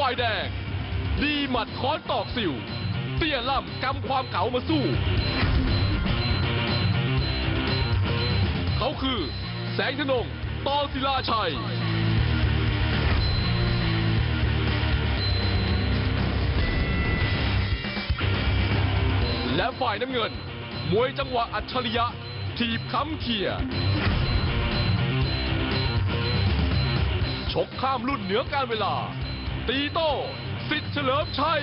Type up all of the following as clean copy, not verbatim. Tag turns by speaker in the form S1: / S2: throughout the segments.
S1: ฝ่ายแดงดีหมัดค้อนตอกสิวเตี้ยล่ำกำความเก๋ามาสู้เขาคือแสงธนง ตอศิลาชัยและฝ่ายน้ำเงินมวยจังหวะอัจฉริยะถีบค้ำเขี่ยชกข้ามรุ่นเหนือการเวลาตีโต้สิทธิ์เฉลิมชัย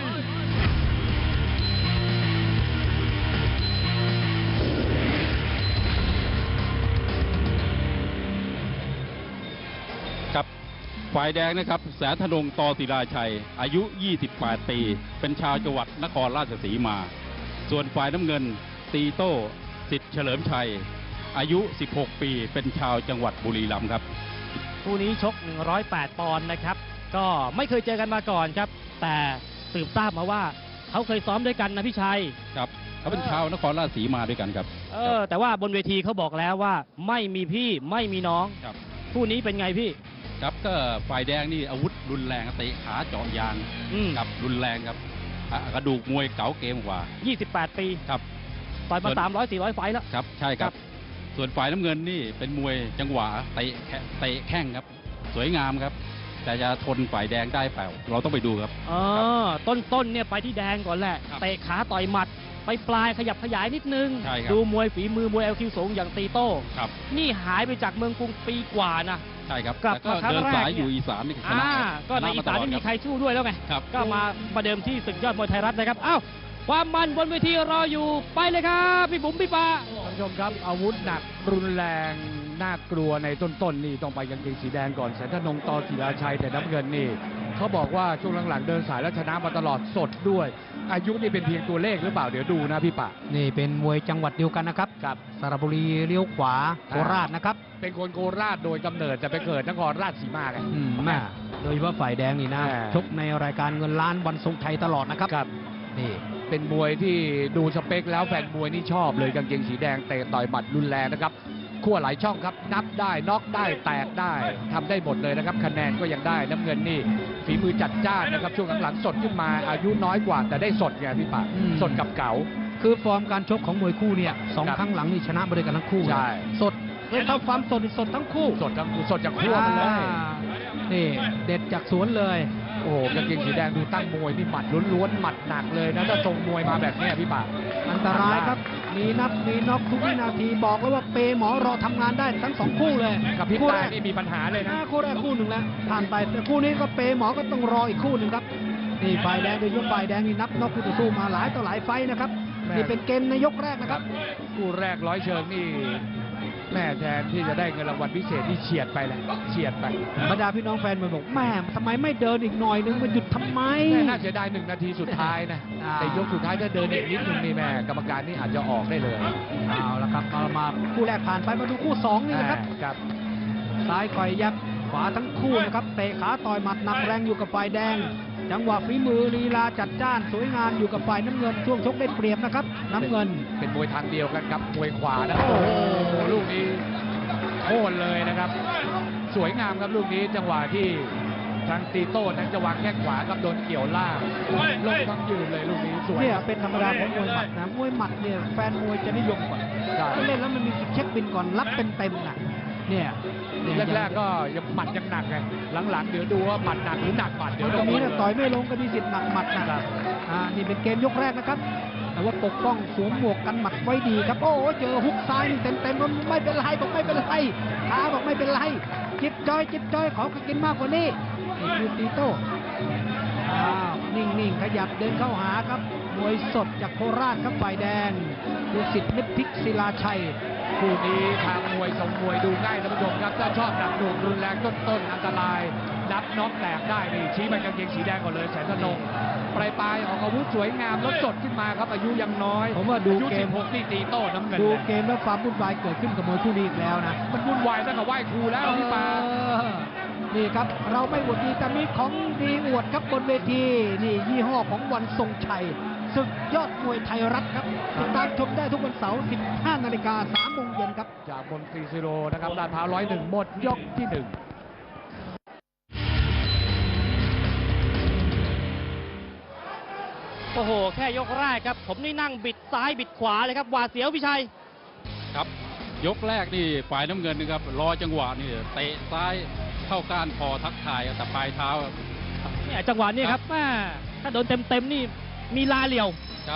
S2: ครับฝ่ายแดงนะครับแสนธนง ตอศิลาชัยอายุ 28 ปีเป็นชาวจังหวัดนครราชสีมาส่วนฝ่ายน้ำเงินตีโต้สิทธิ์เฉลิมชัยอายุ 16 ปีเป็นชาวจังหวัดบุรีรัมย์ครับ
S3: คู่นี้ชก 108 ปอนด์นะครับก็ไม่เคยเจอกันมาก่อนครับแต่สืบทราบมาว่าเขาเคยซ้อมด้วยกันนะพี่ชัย
S2: ครับเขาเป็นชาวนครราชสีมาด้วยกันครับ
S3: แต่ว่าบนเวทีเขาบอกแล้วว่าไม่มีพี่ไม่มีน้อง
S2: ครับ
S3: คู่นี้เป็นไงพี่
S2: ครับก็ฝ่ายแดงนี่อาวุธรุนแรงเตะขาเจาะยางครับรุนแรงครับกระดูกมวยเก๋าเกมกว่า
S3: 28 ปี
S2: ครับ
S3: ต่อยมา300-400 ไฟล์แล้ว
S2: ครับใช่ครับส่วนฝ่ายน้ำเงินนี่เป็นมวยจังหวะเตะแข้งครับสวยงามครับแต่จะทนฝ่ายแดงได้เปล่าเราต้องไปดูครับ
S3: ต้นเนี่ยไปที่แดงก่อนแหละเตะขาต่อยหมัดไปปลายขยับขยายนิดนึงดูมวยฝีมือมวยLQสูงอย่างตีโต้นี่หายไปจากเมืองกรุงปีกว่านะ
S2: ใช่ครับกลับมาเดินสายอยู่อีสานนี่ชนะ
S3: ก็ในอีสานไม่มีใครสู้ด้วยแล้วไงก็มาประเดิมที่ศึกยอดมวยไทยรัฐนะครับอ้าวความมันบนเวทีรออยู่ไปเลยครับพี่บุ๋มพี่ปา
S4: ท่านผู้ชมครับอาวุธหนักรุนแรงน่ากลัวในต้นนี่ต้องไปกางเกงสีแดงก่อนแสนธนง ตอศิลาชัยแต่น้ำเงินนี่เขาบอกว่าช่วงหลังๆเดินสายแล้วชนะมาตลอดสดด้วยอายุนี่เป็นเพียงตัวเลขหรือเปล่าเดี๋ยวดูนะพี่ปะ
S5: นี่เป็นมวยจังหวัดเดียวกันนะครับกับสระบุรีเลี้ยวขวาโคราชนะครับ
S4: เป็นคนโคราชโดยกำเนิดแต่ไปเกิดนครราชสีมาไง
S5: โดยเฉพาะฝ่ายแดงนี่นะชกในรายการเงินล้านวันทรงชัยตลอดนะครับ
S4: นี่เป็นมวยที่ดูสเปคแล้วแฟนมวยนี่ชอบเลยกางเกงสีแดงเตะต่อยหมัดรุนแรงนะครับขั้วหลายช่องครับนับได้น็อกได้แตกได้ทำได้หมดเลยนะครับคะแนนก็ยังได้น้ำเงินนี่ฝีมือจัดจ้านนะครับช่วงหลังๆสดขึ้นมาอายุน้อยกว่าแต่ได้สดไงพี่ปะสดกับเก๋า
S5: คือฟอร์มการชกของมวยคู่เนี่ย2 ครั้งหลังนี่ชนะมาด้วยกันทั้งคู่
S4: ใช่
S5: สดเลยทำฟอร์มสดทั้งคู่
S4: สดจากขั้วมันเลย
S5: นี่เด็ดจากสวนเลย
S4: โอ้โหกางเกงสีแดงดูตั้งมวยนี่หมัดล้วนๆหมัดหนักเลยนะถ้าทรงมวยมาแบบนี้พี่ปะ
S5: อันตรายครับมีนับมีน็อกทุกวินาทีบอกเลยว่าเปหมอรอทำงานได้ทั้ง2คู่เลย
S4: กับพี่ตานี่มีปัญหาเลยนะ
S5: คู่แรกคู่หนึ่งแล้วผ่านไปแต่คู่นี้ก็เปหมอก็ต้องรออีกคู่หนึ่งครับนี่ฝ่ายแดงโดยเฉพาะฝ่ายแดงนี่นับน็อกคู่ต่อสู้มาหลายต่อหลายไฟนะครับนี่เป็นเกมในยกแรกนะครับ
S4: คู่แรกร้อยเชิงนี่แม่แทนที่จะได้เงินรางวัลพิเศษที่เฉียดไปแหละเฉียดไป
S5: บรรดาพี่น้องแฟนมันบอกแม่ทำไมไม่เดินอีกหน่อยนึงมันหยุดทำไม
S4: น่าเสียดาย1 นาทีสุดท้ายนะแต่ยกสุดท้ายถ้าเดินอีกนิดนึงนี่แม่กรรมการนี่อาจจะออกได้เลย
S5: เอาละครับมาคู่แรกผ่านไปมาดูคู่2นี่นะครับซ้ายคอยยับขวาทั้งคู่นะครับเตะขาต่อยหมัดหนักแรงอยู่กับฝ่ายแดงจังหวะฝีมือลีลาจัดจ้านสวยงามอยู่กับฝ่ายน้ำเงินช่วงชกได้เปรียบนะครับน้ำเงิน
S4: เป็นมวยทางเดียวกันครับมวยขวานะโอ้โหลูกนี้โค่นเลยนะครับสวยงามครับลูกนี้จังหวะที่ทางตีโต้นั้นจะวางแข้งขวาครับโดนเกี่ยวล่างลงทั้งยืนเลยลูกนี้สวย
S5: เนี่ยเป็นธรรมดาของมวยหมัดนะมวยหมัดเนี่ยแฟนมวยจะนิยมก่อนเล่นแล้วมันมีเช็คบินก่อนรับเต็มๆนะเนี่ย
S4: แรกๆก็ยังหมัดยังหนักไงหลังๆเดี๋ยวดูว่าหมัดหนักหรือหนักหมัดเดี๋ยว
S5: ตรงนี้นะต่อยไม่ลงก็มีสิทธิ์หนักหมัดนะนี่เป็นเกมยกแรกนะครับแต่ว่าปกป้องสวมหมวกกันหมัดไว้ดีครับโอ้เจอฮุกซ้ายเต็มๆไม่เป็นไรบอกไม่เป็นไรขาบอกไม่เป็นไรจิบจอยขอกินมากกว่านี้นี่คือตีโต้นิ่งๆขยับเดินเข้าหาครับมวยสดจากโคราชครับฝ่ายแดงดูสิทธิ์นิพิกศิลาชัย
S4: คู่นี้ทางมวยทรงมวยดูง่ายท่านผู้ชมครับถ้าชอบหนักหน่วงรุนแรงต้นอันตรายนับน็อกแตกได้นี่ชี้ไปกางเกงสีแดงก่อนเลยแสนธนงปลายออกอาวุธสวยงามแล้วสดขึ้นมาครับอายุยังน้อย
S5: ผมว่าดูเกม
S4: 16นี่ตีโต้น้ำเงิน
S5: ดูเกมแล้วความวุ่นวายเกิดขึ้นกับมวยคู่นี้อีกแล้วนะ
S4: มันวุ่นวายตั้งแต่ไหว้ครูแล้วพี่ปา
S5: นี่ครับเราไม่อวดดีแต่มีของดีอวดครับบนเวทีนี่ยี่ห้อของวันทรงชัยศึกยอดมวยไทยรัฐครับติดตามชมได้ทุกวันเสาร์ 15 นาฬิกา 3 โมงเย็นครับ
S4: จากบนฟรีซิโรนะครับลาดพร้าว101หมดยกที่ 1
S3: โอ้โหแค่ยกแรกครับผมนี่นั่งบิดซ้ายบิดขวาเลยครับหวาดเสียวพี่ชัย
S2: ครับยกแรกนี่ฝ่ายน้ำเงินนะครับรอจังหวะนี่เตะซ้ายเข้าก้านคอทักทายแต่ปลายเท้า
S3: เนี่ยจังหวะนี้ครับแม่ถ้าโดนเต็มๆนี่มีลาเหลี่ยว
S2: ครับ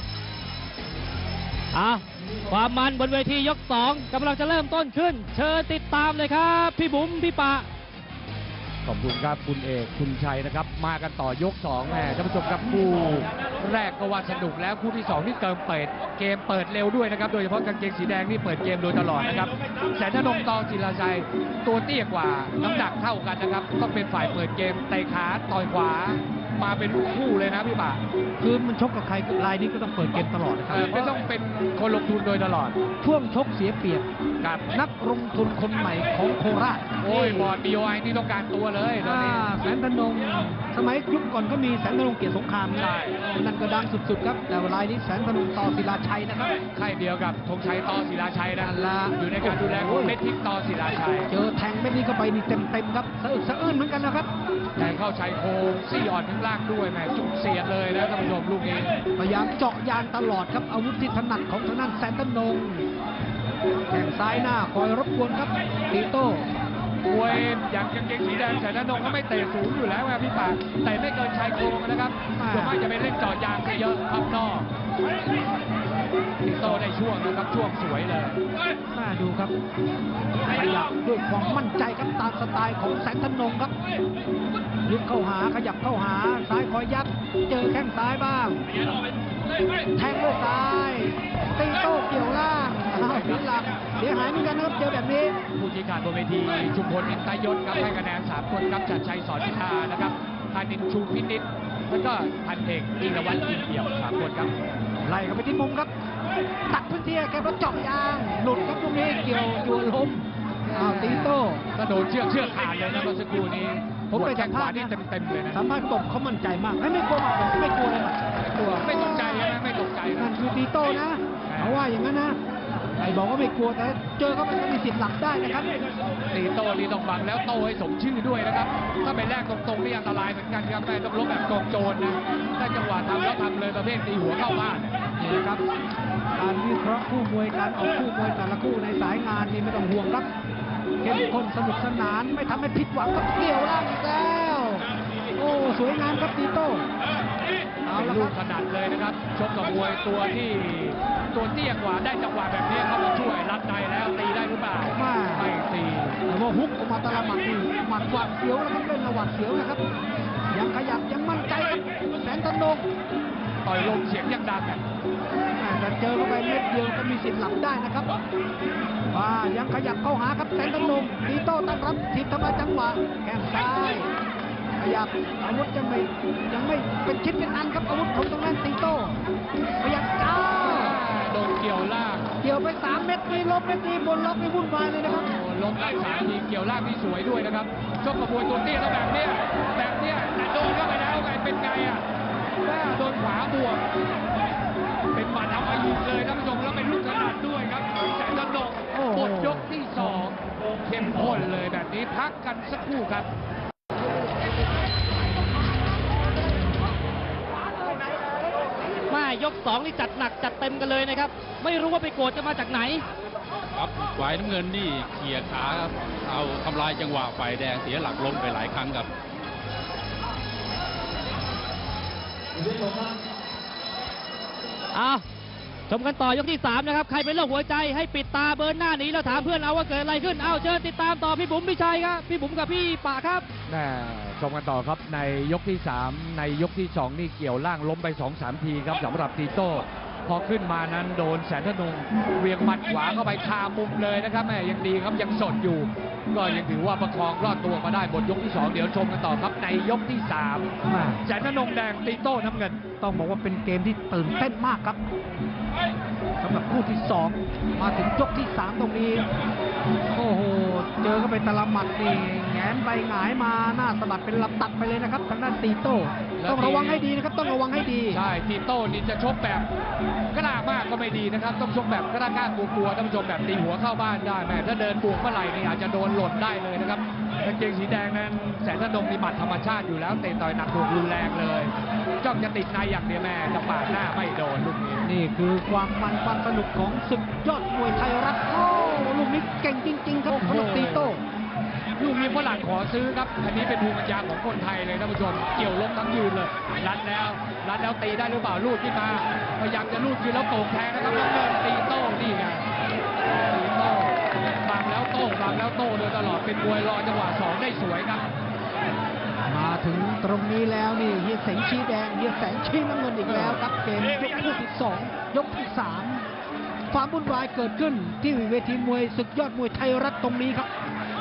S3: ความมันบนเวทียก2กำลังจะเริ่มต้นขึ้น เชิญติดตามเลยครับพี่บุ๋มพี่ปะ
S4: ขอบคุณครับคุณเอกคุณชัยนะครับมากันต่อยก2แหมท่านผู้ชมครับคู่แรกก็ว่าสนุกแล้วคู่ที่2นี่เกมเปิดเร็วด้วยนะครับโดยเฉพาะกางเกงสีแดงนี่เปิดเกมโดยตลอดนะครับแสนธนงตองศิลาชัยตัวเตี้ยกว่าน้ำหนักเท่ากันนะครับต้องเป็นฝ่ายเปิดเกมเตะขาต่อยขวามาเป็นคู่เลยนะพี่บ่า
S5: คือมันชกกับใครรายนี้ก็ต้องเปิดเกมตลอดนะครับ
S4: ไม่ต้องเป็นคนลงทุนโดยตลอด
S5: ช่วงชกเสียเปรียบ
S4: กับ
S5: นักลงทุนคนใหม่ของโคราช
S4: โอ้ยบอร์ด BOI นี่ต้องการตัวเลยตอนนี้
S5: แสนธนงสมัยยุคก่อนก็มีแสนธนงเกียรติสงครามนะ
S4: ใช่
S5: นั่นก็ดังสุดๆครับแต่รายนี้แสนธนงต่อศิลาชัยนะครับ
S4: ค่ายเดียวกับธงชัยต่อศิลาชัยนะ
S5: นั่นละ
S4: อยู่ในการดูแลของเม็ดทิพย์ต่อศิลาชัย
S5: เจอแทงเม็ดนี้เข้าไปนี่เต็มๆครับสะอึกสะอื้นเหมือนกันนะครับ
S4: แทงเข้าชายโครงซี่อ่อนข้างล่างด้วยแหมจุกเสียดเลยนะท่านผู้ชมลูกนี้
S5: พยายามเจาะยางตลอดครับอาวุธที่ถนัดของทางด้านแสนธนงแข่งซ้ายหน้าคอยรบกวนครับตีโต้
S4: มวยอย่างกางเกงสีแดงแสนธนงก็ไม่เตะสูงอยู่แล้วนะพี่ปากแต่ไม่เกินชายโครงนะครับส่วนมากจะไปเล่นเจาะยางซะเยอะพับนอกติโตได้ช่วงนะครับช่วงสวยเลย
S5: มาดูครับขยับด้วยความมั่นใจครับตามสไตล์ของแสนธนงครับยึดเข้าหาขยับเข้าหาซ้ายคอยยับเจอแข้งซ้ายบ้างแทงด้วยซ้ายตีโต้เกี่ยวล่างอ้าวผิดหลักเสียหายเหมือนกันนะครับเจอแบบนี้
S4: ผู้ชี้ขาดบนเวทีชุมพลอินตยศครับให้คะแนน3คนครับจัดชัยสอนพิธานะครับธานินทร์ชูพินิจแล้วก็พันเอกอินทวัฒน์อินเอี่ยม3คนครับ
S5: ไล่เข้าไปที่มุมครับ ตัดพื้นที่แกรถเจาะยางหลุดครับตรงนี้เกี่ยวยัวล้มอ้าวตีโต้
S4: ก็โดนเชือกขาดเลยนะเมื่อสักครู่นี้
S5: ผมไป
S4: แข้
S5: สั
S4: ง
S5: ม
S4: ข
S5: ภาษ
S4: วา
S5: ณ์
S4: นี่
S5: นะ
S4: เต็มๆเลยนะ
S5: สัมภาษณ์บอกเขามั่นใจมากไม่กลัวหมัดไม่กลัวเลยหมัดไม่กลัว
S4: ไม่ตกใจใช่ไหมไม่ตกใจนะ
S5: นั่นคือตีโต้นะเขาว่าอย่างนั้นนะไอ้บอกว่าไม่กลัวแต่เจอเขาไปก็มีสิทธิ์หลับได้นะครับ
S4: ตีโต้นี่ต้องบังแล้วโต้ให้สมชื่อด้วยนะครับ ถ้าไปแลกตรงๆนี่อันตรายเหมือนกันครับแม่ต้องลบแบบกองโจรนะถ้าจังหวะทำแล้วทำเลยประเภทตีหัวเข้าบ้าน
S5: นี่นะครับการวิเคราะห์คู่มวยการออกคู่มวยแต่ละคู่ในสายงานนี่ไม่ต้องห่วงครับเข้มข้นสนุกสนานไม่ทำให้ผิดหวังกับเกี่ยวล่างอีกแล้วโอ้สวยงามครับตีโต้เอา
S4: เป็น
S5: ละ
S4: ลู
S5: ค
S4: ก
S5: รับ
S4: ถนัดเลยนะครับชกกับมวยตัวที่ตัวเตี้ยกว่าได้จังหวะแบบนี้เข้ามาช่วยรัดในแล้วตีได้หรือเปล่าไม่ตี
S5: แต่ว่าฮุกออกมาแตละหมัดนี่หมัดหวัดเสียวนะครับเล่นระหวัดเสียวนะครับยังขยับยังมั่นใจครับแสนธนง
S4: ต่อยลมเสียงยังดังอ่ะ
S5: แต่เจอเข้าไปเม็ดเดียวก็มีสิทธิ์หลับได้นะครับว่ายังขยับเข้าหาครับแสนธนงตีโต้ตั้งรับถีบทำลายจังหวะแข้งซ้ายขยับอาวุธยังไม่เป็นชิ้นเป็นอันครับอาวุธของตรงนั้นตีโต้ขยับจ้า
S4: โดนเกี่ยวล่าง
S5: เกี่ยวไป3 เม็ดนี่ลบเม็ดนี่บนล็อกนี่วุ่นวายเลยนะครับ
S4: โอ้ล้มได้3 ทีเกี่ยวล่างที่สวยด้วยนะครับชกกับมวยตัวเตี้ยแล้วแบบเนี้ยแต่โดนเข้าไปแล้วไงเป็นไงอ่ะว่าโดนขวาบวกเป็นหมัดเอาไปยิงเลยท่านผู้ชมแล้วเป็นลูกถนัดด้วยครับแสนธนงหมดยกที่2เข้มข้นเลยแบบนี้พักกันสักครู่ครับ
S3: มายก2นี่จัดหนักจัดเต็มกันเลยนะครับไม่รู้ว่าไปโกรธจะมาจากไหน
S2: ครับฝ่ายน้ำเงินนี่เขี่ยขาครับเอาทำลายจังหวะฝ่ายแดงเสียหลักล้มไปหลายครั้งครับ
S3: ชมกันต่อยกที่3นะครับใครเป็นโรคหัวใจให้ปิดตาเบิร์นหน้าหนีแล้วถามเพื่อนเอาว่าเกิดอะไรขึ้นเชิญติดตามต่อพี่บุ๋มพี่ชัยครับพี่บุ๋มกับพี่ป่าครับ
S4: ชมกันต่อครับในยกที่3ในยกที่2นี่เกี่ยวล่างล้มไป 2-3 ทีครับสำหรับตีโต้พอขึ้นมานั้นโดนแสนธนงเวียงหมัดขวาเข้าไปคามุมเลยนะครับแม่ยังดีครับยังสดอยู่ ก็ยังถือว่าประคองรอดตัวมาได้บนยกที่2เดี๋ยวชมกันต่อครับในยกที่3แสนธนงแดงตีโต้น้ำเงิน
S5: ต้องบอกว่าเป็นเกมที่ตื่นเต้นมากครับสำหรับคู่ที่2มาถึงยกที่3ตรงนี้โอ้โหเจอเข้าไปตะละหมัดนี่แงนไปหงายมาหน้าสะบัดเป็นลำตัดไปเลยนะครับทางด้านตีโต้ต้องระวังให้ดีนะครับต้องระวังให้ดี
S4: ใช่ตีโต้นี่จะชกแบบกล้ามากก็ไม่ดีนะครับต้องชกแบบกล้ากลัวๆท่านผู้ชมแบบตีหัวเข้าบ้านได้แม่ถ้าเดินบวกเมื่อไหร่นี่อาจจะโดนหล่นได้เลยนะครับกางเกงสีแดงนั้นแสนธนงมีหมัดธรรมชาติอยู่แล้วเตะต่อยหนักหน่วงรุนแรงเลยจ้องจะติดในอย่างเดียวแม่จะปาดหน้าไม่โดนลูกนี้
S5: นี่คือความมันความสนุกของศึกยอดมวยไทยรัฐโอ้ลูกนี้เก่งจริงๆครับสำหรับตีโต้
S4: ลูกนี้ฝรั่งขอซื้อครับอันนี้เป็นภูมิปัญญาของคนไทยเลยท่านผู้ชมเกี่ยวล้มทั้งยืนเลยรัดแล้วตีได้หรือเปล่าลูดขึ้นมาพยายามจะลูดคืนแล้วโก่งแทงนะครับน้ำเงินตีโต้นี่ไงตีโต้บังแล้วโต้โดยตลอดเป็นมวยรอจังหวะ2ได้สวยครับ
S5: มาถึงตรงนี้แล้วนี่เฮียแสงชี้แดงเฮียแสงชี้น้ำเงินอีกแล้วครับเกมยกคู่ที่2ยกที่3ความวุ่นวายเกิดขึ้นที่เวทีมวยศึกยอดมวยไทยรัฐตรงนี้ครับ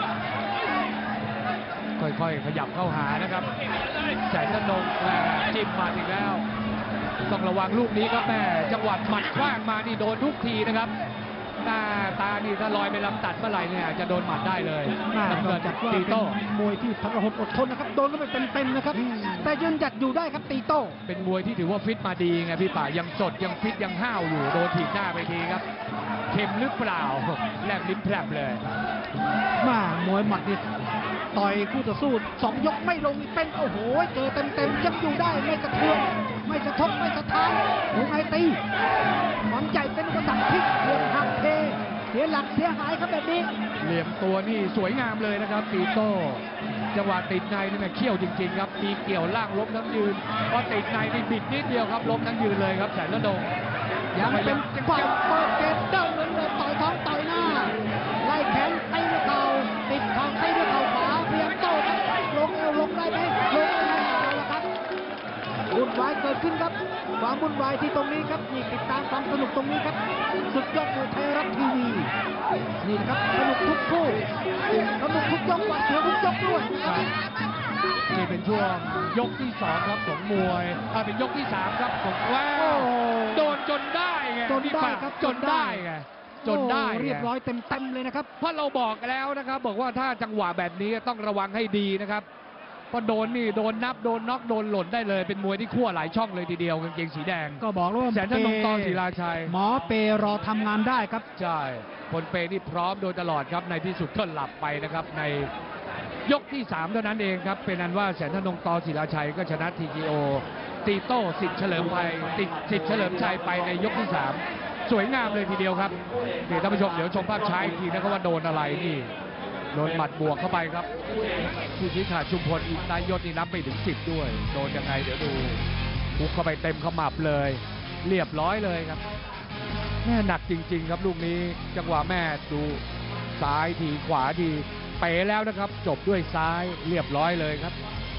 S4: ค่อยๆขยับเข้าหานะครับแสนธนงจิ้มหมัดอีกแล้วต้องระวังลูกนี้ครับแม่จังหวะหมัดคว้างมานี่โดนทุกทีนะครับหน้าตานี่ถ้าลอยไปลำตัดเมื่อไหร่เนี่ยจะโดนหมัดได้เลย
S5: น้ำเงินจากว่าเป็นมวยที่พละหดอดทนนะครับโดนก็ไปเต็มๆนะครับแต่ยืนหยัดอยู่ได้ครับตีโต้
S4: เป็นมวยที่ถือว่าฟิตมาดีไงพี่ป่ายังสดยังฟิตยังห้าวอยู่โดนถีบหน้าไปทีครับเข็มหรือเปล่าแลบลิ้นแผลบเลย
S5: มวยหมัดนี่ต่อยคู่ต่อสู้2ยกไม่ลงเป็นโอ้โหเจอเต็มๆยังอยู่ได้ไม่สะเทือนไม่สะทกไม่สะท้านหัวไงตีความใหญ่เป็นอุปสรรคพลิกเหลี่ยมหักเทเสียหลักเสียหายครับแบบนี้
S4: เหลี่ยมตัวนี่สวยงามเลยนะครับตีโต้จังหวะติดในนี่แม่เขี้ยวจริงๆครับมีเกี่ยวล่างล้มทั้งยืนพอติดในนี่บิดนิดเดียวครับล้มทั้งยืนเลยครับแสนธนง
S5: ยังเป็นความเปิดเกมเดินเหมือนเดิมต่อยท้องต่อยหน้าไล่แขนตีด้วยเข่าติดเข่าตีด้วยเข่าขวาเพียงโต้ครับลงเอวลงได้ไหมลงได้เอาละครับวุ่นวายเกิดขึ้นครับความวุ่นวายที่ตรงนี้ครับนี่ติดตามความสนุกตรงนี้ครับสุดยอดมวยไทยรัฐทีวีนี่นะครับสนุกทุกคู่สนุกทุกยกหวาดเสียวทุกยกด้วย
S4: นี่เป็นช่วงยกที่2ครับของมวยเป็นยกที่3ครับของว้าวโดนจนได้ไง
S5: จนได้ครับ
S4: จนได้ไงจนได้
S5: เรียบร้อยเต็มเลยนะครับ
S4: เพราะเราบอกแล้วนะครับบอกว่าถ้าจังหวะแบบนี้ต้องระวังให้ดีนะครับพอโดนนี่โดนนับโดนน็อกโดนหล่นได้เลยเป็นมวยที่ขั้วหลายช่องเลยทีเดียวกางเกงสีแดง
S5: ก็บอกว่า
S4: แสนธนงตศิลาชัย
S5: หมอเปรอทำงานได้ครับ
S4: ใช่คนเปนี่พร้อมโดยตลอดครับในที่สุดก็หลับไปนะครับในยกที่3เท่านั้นเองครับเป็นอันว่าแสนธนงตศิลาชัยก็ชนะ TKO ตีโต้สิทธิ์เฉลิมชัยสิทธิ์เฉลิมชัยไปในยกที่3สวยงามเลยทีเดียวครับเดี๋ยวท่านผู้ชมเดี๋ยวชมภาพช้าอีกทีนะครับว่าโดนอะไรนี่โดนหมัดบวกเข้าไปครับผู้ชี้ขาดชุมพลอินทยศนี่นับไปถึง10ด้วยโดนยังไงเดี๋ยวดูพุกเข้าไปเต็มขมับเลยเรียบร้อยเลยครับแม่หนักจริงๆครับลูกนี้จังหวะแม่ดูซ้ายทีขวาทีเป๋แล้วนะครับจบด้วยซ้ายเรียบร้อยเลยครับ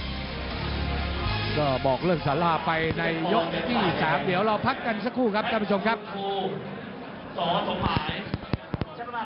S4: ก็บอกเรื่องสาราไปในยกที่3เดี๋ยวเราพักกันสักครู่ครับท่านผู้ชมครับสอสมหมาย